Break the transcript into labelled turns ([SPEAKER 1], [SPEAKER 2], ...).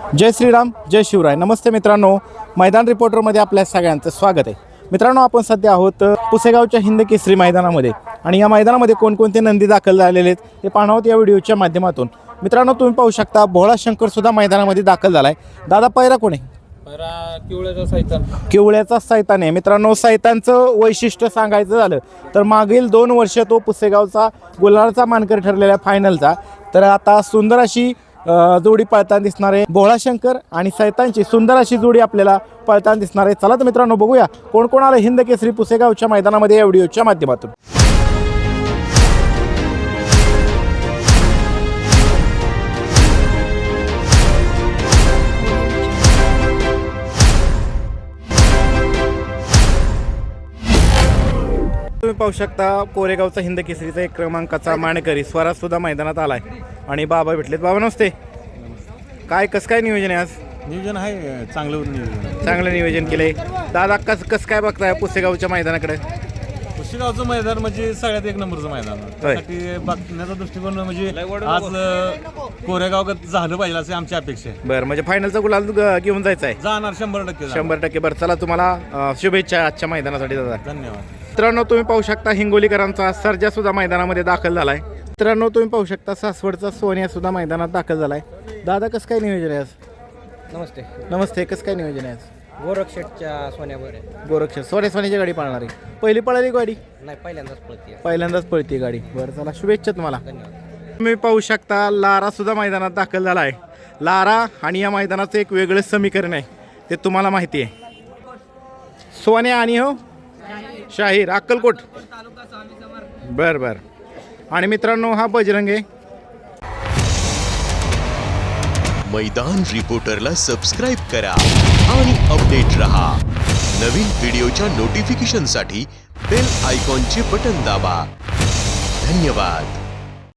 [SPEAKER 1] जय श्रीराम जय शिवराय. नमस्ते मित्रांनो, मैदान रिपोर्टरमध्ये आपल्या सगळ्यांचं स्वागत आहे. मित्रांनो, आपण सध्या आहोत पुसेगावच्या हिंद केसरी मैदानामध्ये आणि या मैदानामध्ये कोणकोणते नंदी दाखल झालेले आहेत हे पाहणार आहोत या व्हिडिओच्या माध्यमातून. मित्रांनो, तुम्ही पाहू शकता भोळा शंकर सुद्धा मैदानामध्ये दाखल झाला आहे. दादा, पहिरा कोण आहे? किवळ्याचा सैतान आहे. मित्रांनो, सैतानचं वैशिष्ट्य सांगायचं झालं तर मागील 2 वर्ष तो पुसेगावचा गुलालचा मानकरी ठरलेला फायनलचा. तर आता सुंदर अशी जोडी पळताना दिसणार आहे. भोळा शंकर आणि सैतानची सुंदर अशी जोडी आपल्याला पळताना दिसणार आहे. चला तर मित्रांनो, बघूया कोण कोण आलं हिंद केसरी पुसेगावच्या मैदानामध्ये या व्हिडिओच्या माध्यमातून. तुम्ही पाहू शकता कोरेगावचा हिंद केसरीचा 1 क्रमांकाचा मानकरी स्वराज सुद्धा मैदानात आलाय आणि बाबा भेटलेत. बाबा नमस्ते. कसं काय नियोजन आहे आज?
[SPEAKER 2] नियोजन आहे
[SPEAKER 1] चांगलं नियोजन केलंय. दादा, कसं काय बघताय पुसेगावच्या मैदानाकडे?
[SPEAKER 2] पुसेगावचं मैदान म्हणजे सगळ्यात 1 नंबरचं मैदान. त्यासाठी बघण्याचा दृष्टिकोन म्हणजे आज कोरेगाव झालं पाहिजे अशी आमची अपेक्षा आहे.
[SPEAKER 1] बरं, म्हणजे फायनलचा गुलाल घेऊन जायचं आहे?
[SPEAKER 2] जाणार 100%.
[SPEAKER 1] 100%. बरं, चला तुम्हाला शुभेच्छा आजच्या मैदानासाठी दादा.
[SPEAKER 2] धन्यवाद.
[SPEAKER 1] मित्रांनो, तुम्ही पाहू शकता हिंगोलीकरांचा सर्जा सुद्धा मैदानामध्ये दाखल झालाय. मित्रांनो, तुम्ही पाहू शकता सासवडचा सोन्या सुद्धा मैदानात दाखल झालाय. दादा, कसं काय नियोजन आहे आज?
[SPEAKER 3] नमस्ते.
[SPEAKER 1] नमस्ते. कसं काय नियोजन आहे आज?
[SPEAKER 3] गोरक्षेटच्या सोन्यावर आहे.
[SPEAKER 1] गोरक्ष सोन्याची गाडी पाळणार आहे. पहिली पळाली गाडी?
[SPEAKER 3] नाही, पहिल्यांदाच पळते.
[SPEAKER 1] पहिल्यांदाच पळते गाडी. बरं, चला शुभेच्छा तुम्हाला.
[SPEAKER 3] धन्यवाद.
[SPEAKER 1] तुम्ही पाहू शकता लारा सुद्धा मैदानात दाखल झाला आहे. लारा आणि या मैदानाचं एक वेगळंच समीकरण आहे, ते तुम्हाला माहिती आहे. सोन्या आणि शाहीर अक्कलकोट. बर बर. आणि मित्रांनो, हा बजरंग आहे.
[SPEAKER 4] मैदान रिपोर्टरला सबस्क्राइब करा आणि अपडेट रहा. नवीन व्हिडिओच्या नोटिफिकेशनसाठी बेल आयकॉनचे बटन दाबा. धन्यवाद.